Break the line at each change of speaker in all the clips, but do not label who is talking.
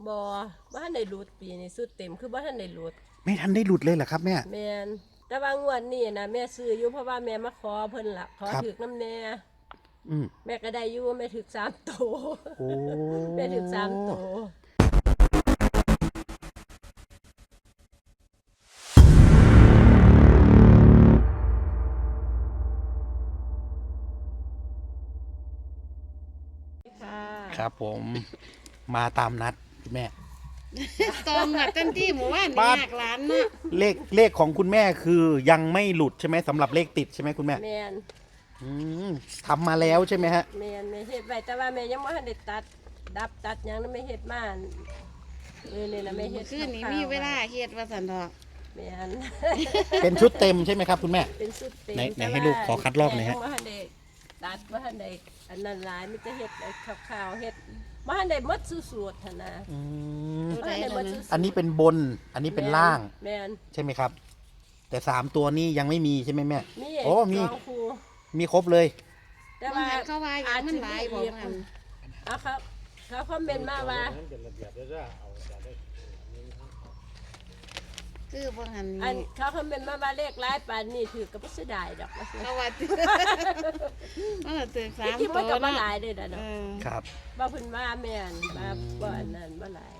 บ่ทันได้หลุดปีนี้สุดเต็มคือบ่ทันได้หลุด
ไม่ทันได้หลุดเลยเหรอครับแม่
แม่นแต่ว่างวดนี้นะแม่ซื้ออยู่เพราะว่าแม่มาขอเพิ่นล่ะขอถึกน้ำแน่แม่ก็ได้อยู่แม่ถึก3ตัว
โอ้
แม่ถึก3ตัว
ครับผมมาตามนัดคุณแม่
ตองอ่ะทันที่หมู่บ้านนี่ยากหลานเนาะ
เลขของคุณแม่คือยังไม่หลุดใช่ไหมสำหรับเลขติดใช่ไหมคุณแม่
แม่น
ทำมาแล้วใช่ไหมฮะ
แม่นแม่เฮ็ดไว้แต่ว่าแม่ยังบ่ทันได้ตัดหยังนั้นไม่เฮ็ดมานี่นะแม่เฮ็ด
คือนี่มีเวลาเฮ็ดว่าซั่นดอก
แม่น
เป็นชุดเต็มใช่ไหมครับคุณแม่
เป็นชุดเต็ม
ไหนให้ลูกขอคัดลอกหน่อยฮะ
บ่ทันได้ตัดบ่ทันได้อันนั้นหลายมีแต่เฮ็ดขาวๆเฮ็ดบ่ทันได้หมดสูตรหั่นน่ะ
อันนี้เป็นบนอันนี้เป็นล่าง
แม่น
ใช่ไหมครับแต่3ตัวนี้ยังไม่มีใช่ไหมแม่
โอ้
มีครบเลย
แต่ว่าเขาว่าอย่างมันหลายบ่มัน
ครับเขาคอมเมนต์มาว่า
คือบ่หัน
อันเขาคอมเมนต์มาว่าเลขหลายปานนี้ถือก็บ่เสียดายดอก
เขาว่ามันถึง3
ตัวก็บ่หลายเด้อเนาะ
ครับ
บ่เพิ่นว่าแม่นบ่อันนั้นบ่หลาย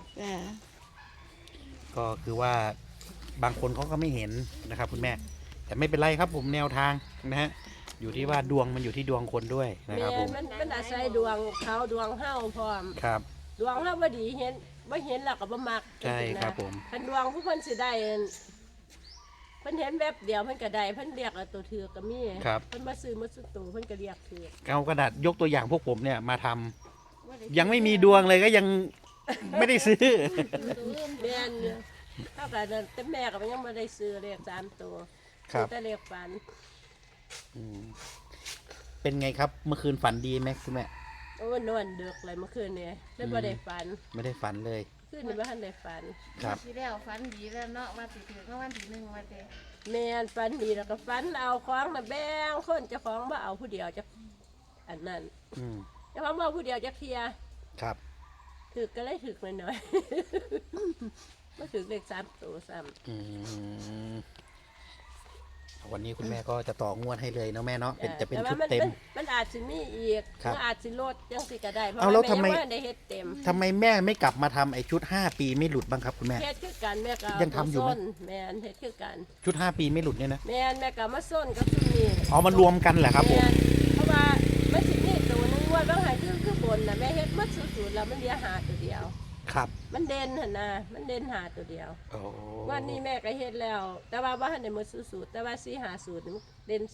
ก็คือว่าบางคนเขาก็ไม่เห็นนะครับคุณแม่แต่ไม่เป็นไรครับผมแนวทางนะฮะอยู่ที่ว่าดวงมันอยู่ที่ดวงคนด้วยนะครับผม
มันอาศัยดวงเขาดวงเฮาพร้อม
ครับ
ดวงเฮาบ่ดีเห็นแล้วก็บ่มัก
ใช่ครับผม
คันดวงผู้เพิ่นสิได้เพิ่นเห็นแบบเดียวเพิ่นก็ได้เพิ่นเรียกเอาตัวถือก็มีเพิ่นมาซื้อมาสุดตัวเพิ่นก็เรียกถือ
เอากระดาษยกตัวอย่างพวกผมเนี่ยมาทำยังไม่มีดวงเลยก็ยังไม่ได้ซื้อ
แม่นเท่ากับแต่แม่ก็ยังไม่ได้ซื้อเลข3ตัวแต่เลขฝัน
เป็นไงครับเมื่อคืนฝันดีไหมคุณแม่
โอ้นอนดึกเลยเมื่อคืนนี้ไม่ได้ฝัน
ไม่ได้ฝันเลย
คืนนี้ไม่ทันได้ฝัน
ครับ
ที่แล้วฝันดีแล้วเนาะว่าสิถึงวันที่1ว่าแต่
แม่นฝันดีแล้วก็ฝันเอาของน่ะแบ่งคนเจ้าของบ่เอาผู้เดียวจะอันนั้นเจ้าของบ่เอาผู้เดียวจะเคลียร์
ครับ
ถึกก็เลยถึกหน่อยๆก็ถึกเลข3ตัวซ้ำ
วันนี้คุณแม่ก็จะต่องวดให้เลยนะแม่เนาะจะเป็นชุดเต็ม
มันอาจจะมีอีกอาจจะลดยังสิก็ได้เพราะ
แล้วทำไม
ได้เฮ็ดเต็ม
ทำไมแม่ไม่กลับมาทำไอ้ชุด5 ปีไม่หลุดบ้างครับคุณแม่
เฮ็ดคือกันแม่ก็
ยังทำอยู่ไหม
แม่เฮ็ดคือกัน
ชุด5 ปีไม่หลุดเนี่ยนะ
แม่ก็มาส้นกับชุดนี้
มันรวมกันแหละครับผม
เพราะว่ามันสิมีตัวนึงว่าบางหายคือบนน่ะแม่เฮ็ดมัดสุดๆแล้วมันเหลือ5ตัวเดียว
ครับ
มันเด่นหั่นน่ะมันเด่น5ตัวเดียววันนี้แม่ก็เฮ็ดแล้วแต่ว่าบ่ทันได้หมดสุดๆแต่ว่า4 5สูตรนี่เด่น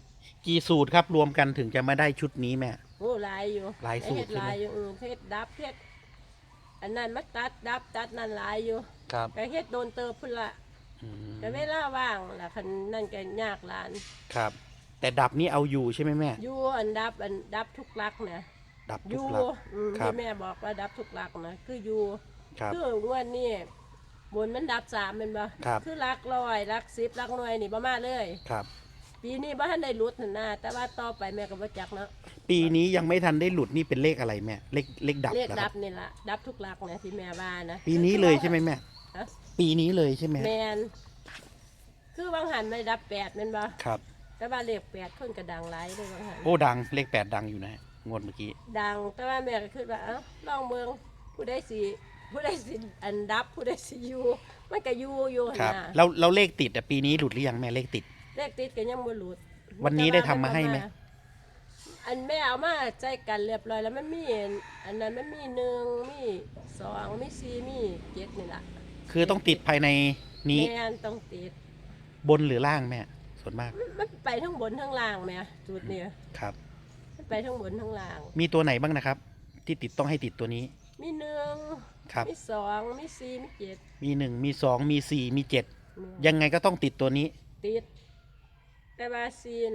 4
กี่สูตรครับรวมกันถึงจะมาได้ชุดนี้แม่
โอ้หลายอยู่
หลายสูตร
หลายอยู่เฮ็ดดับเฮ็ดอันนั้นมาตัดนั่นหลายอยู่
ครับ
ก็เฮ็ดโดนเติบพุ่นละก็เวลาว่างล่ะคันนั่นก็ยากหลาน
ครับแต่ดับนี้เอาอยู่ใช่ไหมแม่
อยู่ดับทุกลักนะ
ดับทุกลัก
ที่แม่บอกว่าดับทุกลักนะคืออยู่คืองวดนี้บนมันดับ3เป็นบ่คือลักร้อยลัก10ลักหน่วยนี่บ่มาเลย
ครับ
ปีนี้บ่ทันได้หลุดนั่นนะแต่ว่าต่อไปแม่ก็บ่จักเนาะ
ปีนี้ยังไม่ทันได้หลุดนี่เป็นเลขอะไรแม่เลขดับ
นี่ล่ะดับทุกลักนะที่แม่ว่านะ
ปีนี้เลยใช่ไหมแม่ปีนี้เลยใช่ไหม
แม่นคือบางหันไม่ดับ8แม่นบ่
ครับ
แต่ว่าเลข8คนก็ดังหลายเลยบางหัน
โอ้ดังเลข8ดังอยู่นะงวดเมื่อกี้
ดังแต่ว่าแม่ก็คิดว่าลองเมืองผู้ใดสิอันดับผู้ใดสิอยู่มันก็อยู่
ครับเราเลขติดปีนี้หลุดหรือยังแม่เลขติด
ก็ยังบ่หลุด
วันนี้ได้ทำมาให้ไหม
อันแม่เอามาใจกันเรียบร้อยแล้วมันมีอันนั้นมันมี1มี2มี4มี7นี่ล่ะ
คือต้องติดภายในนี้
แม่ต้องติด
บนหรือล่างแม่ส่วนมาก
มันไปทั้งบนทั้งล่างแม่จุดนี้
ครับ
มันไปทั้งบนทั้งล่าง
มีตัวไหนบ้างนะครับที่ติดต้องให้ติดตัวนี้
มี1มี2มี4มี7
มี1มี2มี4มี7ยังไงก็ต้องติดตัวนี้
ติดแต่ว่า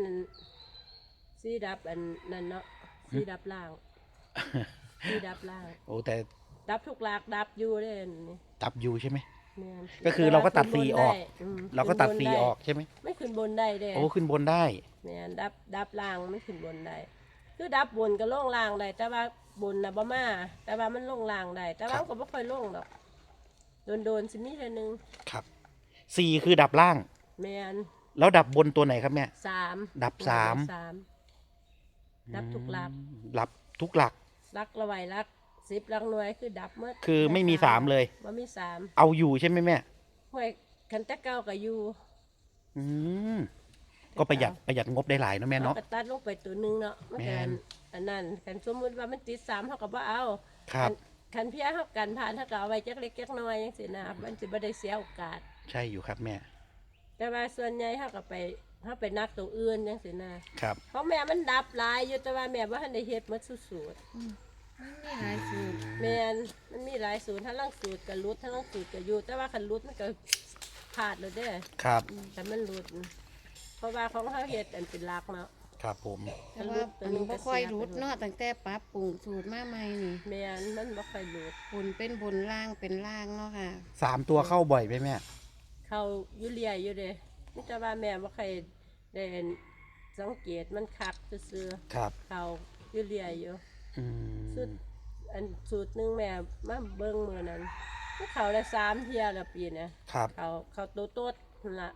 4ดับอันนั่นเนาะ4ดับล่าง4ดับล่าง
โอ้แต่
ดับทุกหลักดับอยู่เด้นี่
ดับอยู่ใช่ไหมก็คือเราก็ตัด4ออกเราก็ตัด4ออกใช่ไหม
ไม่ขึ้นบนได้เด้
โอ้ขึ้นบนได้
แม่นดับล่างไม่ขึ้นบนได้คือดับบนก็ลงล่างได้แต่ว่าบนน่ะบ่มาแต่ว่ามันลงล่างได้แต่ว่ามันก็บ่ค่อยลงดอกโดนสิมีเทื่อนึง
ครับสี่คือดับล่าง
แม่น
แล้วดับบนตัวไหนครับแม่
3
ดับสาม
ดับทุกหลัก
ดับทุกหลัก
หลักละไว้หลัก10หลักหน่วยคือดับหมด
คือไม่มีสามเลย
บ่มี3
เอาอยู่ใช่ไหมแม่
ห้วยคันแต่เก่าก็อยู่
อืมก็ประหยัดงบได้หลายเนอะแม่เนาะ
ก็ตัดลงไปตัวหนึงเนาะมัน
แม่
ก็
น
อันนั้นคันสมมุติว่ามันติด3เฮาก็บ่เอา
ครับ
คันเพียเฮากันผ่านเฮาก็เอาไว้จักเล็กจักน้อยจังซี่นะมันสิบ่ได้เสียโอกาส
ใช่อยู่ครับแม่
แต่ว่าส่วนใหญ่เฮาก็ไปนักตัวอื่นจังซี่นะครับ เพราะแม่มันดับหลายอยู่แต่ว่าแม่บ่ทันได้เฮ็ดหมดสูตร
มันมีหลายสูตร
แม่นมันมีหลายสูตรทั้งลังสูตรก็หลุดทั้งลังสูตรก็อยู่แต่ว่าคันหลุดมันก็พลาดแล้วเด้อ
ครับ
แต่มันหลุด เพราะว่าของเฮาเฮ็ดอันเป็นหลักเนาะ
ครับผม
แต่ว่าอันบ่ค่อยรุดเนาะตั้งแต่ปรับปรุงสูตรมาใหม่นี่
แม่นมันบ่ค่อยหลุด
บนเป็นบนล่างเป็นล่างเนาะค่ะ
สามตัวเข้าบ่อยไหมแม่
เข้าอยู่เรียอยู่เด้มีแต่ว่าแม่บ่ค่อยได้สังเกตมันคักซื่อ
ครับ
ๆเข้าอยู่เรียอยู่
อืม
สูตรอันสูตรหนึงแม่มาเบิ่งมื้อนั้นมันเข้าได้3เที่ยแล้วปีเนี้
ครับ
เข้าโตดนั่นล่ะ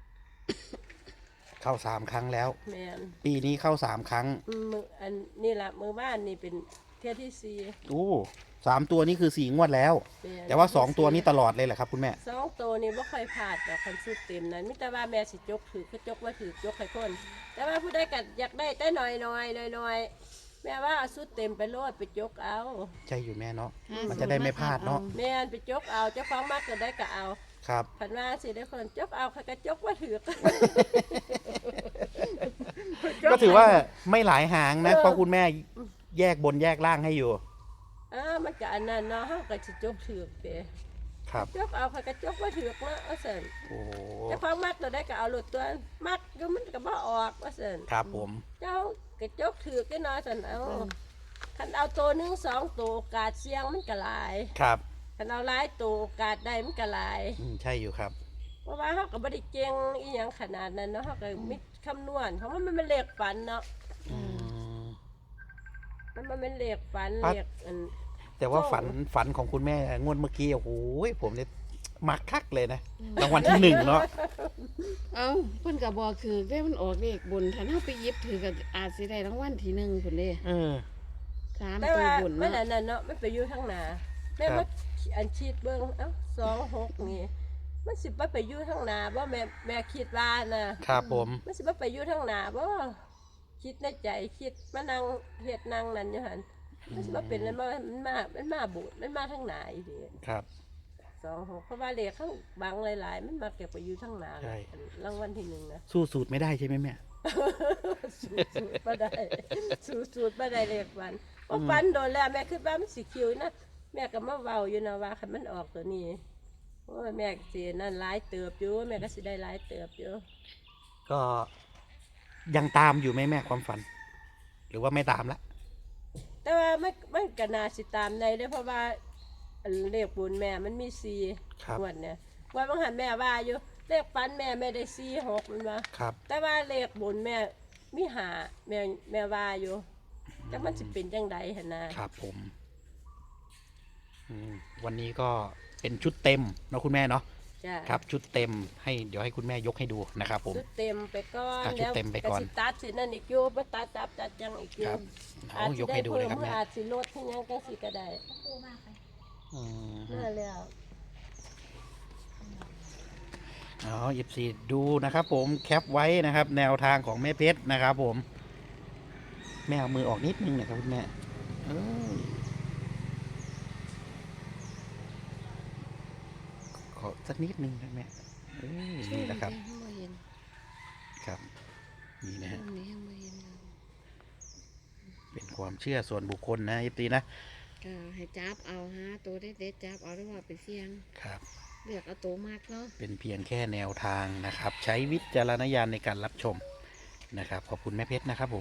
เข้าสามครั้งแล้ว
แม่น
ปีนี้เข้าสามครั้ง
มื้ออันนี่ล่ะมื้อบ้านนี่เป็นเที่ยที่สี่
โอ้สามตัวนี้คือสี่งวดแล้ว
ม่น
แต่ว่าสองตัวนี้ตลอดเลยแหละครับคุณแม่
สองตัวนี่บ่ค่อยพลาดดอกคันสูตรเต็มนั้นมีแต่ว่าแม่สิจกถือคือจกว่าถือยกให้คน แต่ว่าผู้ใดก็อยากได้แต่น้อยแม่ว่าเอาสูตรเต็มไปโลดไปจกเอา
ใช่อยู่แม่เนาะ
ห้า
มันจะได้ไม่พลาดเนาะ
สูตร
แม่นไปจกเอาเจ้าของมากก็ได้ก็เอา
ครับ
ผันว่าสิได้คนจกเอาเขาก็จกว่าถือ
ก็ถือว่าไม่หลายหางนะ เพราะคุณแม่แยกบนแยกล่างให้อยู่
มันก็อันนั้นเนาะเฮาก็สิจกถือเด้
ครับ
จกเอาเขาก็จกว่าถือเนาะว่าซั่น
โอ้โห
เจ้าของมักตัวได้ก็เอาโลดตัวมักอยู่มันก็บ่ออกว่าซั่น
ครับผม
เจ้าก็จกถือกันเนาะซั่นเอาคันเอาตัวหนึง2ตัวโอกาสเสี่ยงมันก็หลาย
ครับ
คันเอาหลายตัวโอกาสได้มันก็หลาย
ใช่อยู่ครับ
เพราะว่าเฮาก็บ่ได้เก่งอีหยังขนาดนั้นเนาะเฮาก็มีคำนวณเพราะว่ามันเป็นเลขฝันเนาะ
อืม
มันเป็นเลขฝัน
ปั๊บ
เลขอัน
แต่ว่าฝันของคุณแม่งวดเมื่อกี้โอ้โหผมเนี่ยมักคักเลยนะรางวัลที่หนึ่งเนาะ
เอ้าเพิ่นก็บอกคือได้มันออกเลขบนถ้าเฮาไปหยิบถือก็อาจสิได้รางวัลที่1พุ่นเด้
เออ
สาม
แต่
ตัว
ว่า
บน
มัน
เนาะ
อันนั้นเนาะมันไปอยู่ทางหน้าแม่
ครั
ว่า
บ
อันชีดเบิ่งเอ้า26นี่มันสิบ่ไปอยู่ทางหน้าบ่แม่คิดว่านะครับ
ผม
มันสิบ่ไปอยู่ทางหน้าบ่คิดในใจคิดมานั่งเฮ็ดนั่งนั่นอยู่หั่นมันสิบ่เป็นแล้วมันมาบูดมันมาทางหน้าอีหลี
ครับ
26เพราะว่าเลขข้างบางหลายๆมันมาเก็บไปอยู่ทางหน้า
ใช่
รางวัลที่หนึ่งนะ
สู้สูตรไม่ได้ใช่ไหมแม่
สูตรบ่ได้สูตรบ่ได้เลขฟันเพราะฟันโดนแล้วแม่คิดว่ามันสิคิวนะแม่ก็มาเว้าอยู่นะว่าคันมันออกตัวนี้โอ้ยแม่ก็สินั่นหลายเติบอยู่แม่ก็สิได้หลายเติบอยู่
ก็ยังตามอยู่ไหมแม่ความฝัน หรือว่าไม่ตามละ
แต่ว่ามันก็น่าสิตามในเด้อเพราะว่าอันเลขบุญแม่มันมี
ครับ
4งวดเนี่ยงวดบางหันแม่ว่าอยู่เลขฟันแม่ได้4 6มันว่า
ครับ
แต่ว่าเลขบุญแม่มี5แม่ว่าอยู่จักมันสิเป็นจังไดหั่นนะครับ
ผมวันนี้ก็เป็นชุดเต็มเนาะคุณแม่เนาะ
จ้ะ
ครับ ชุดเต็มให้เดี๋ยวให้คุณแม่ยกให้ดูนะครับผม
ชุดเต็มไปก่อน
ชุดเต็มไปก่อน
สิตัดสินั่นอีกอยู่บ่ตัดจับจัดจังอีกอ
ค
ยู่
รับ
อา
เอา
จ
ย
สิ
ก
ได้
ให้ดู
เพิ่
เลย
ม
ครับแม่
อาจสิลดที่ยังจังสิก็ได้
อืม
นั่นแล้ว
อ๋อ14ดูนะครับ ผมแคปไว้นะครับ แนวทางของแม่เพชรนะครับ ผม แม่เอามือออกนิดนึงนะครับคุณแม่เอ้ยขอสักนิดนึงนะแม่เอ้ยนี่นะครับ
บ่เห็น
ครับ นี่นะฮะ
อันนี้ยังบ่เห็นเลย
เป็นความเชื่อส่วนบุคคลนะยิปตีนะ
ก็ให้จับเอาฮะตัวเด็ดๆจับเอาหรือว่าไปเสี่ยง
ครับ
เลือกเอาตัวมากเนาะ
เป็นเพียงแค่แนวทางนะครับ ใช้วิจารณญาณในการรับชมนะครับ ขอบคุณแม่เพชรนะครับผม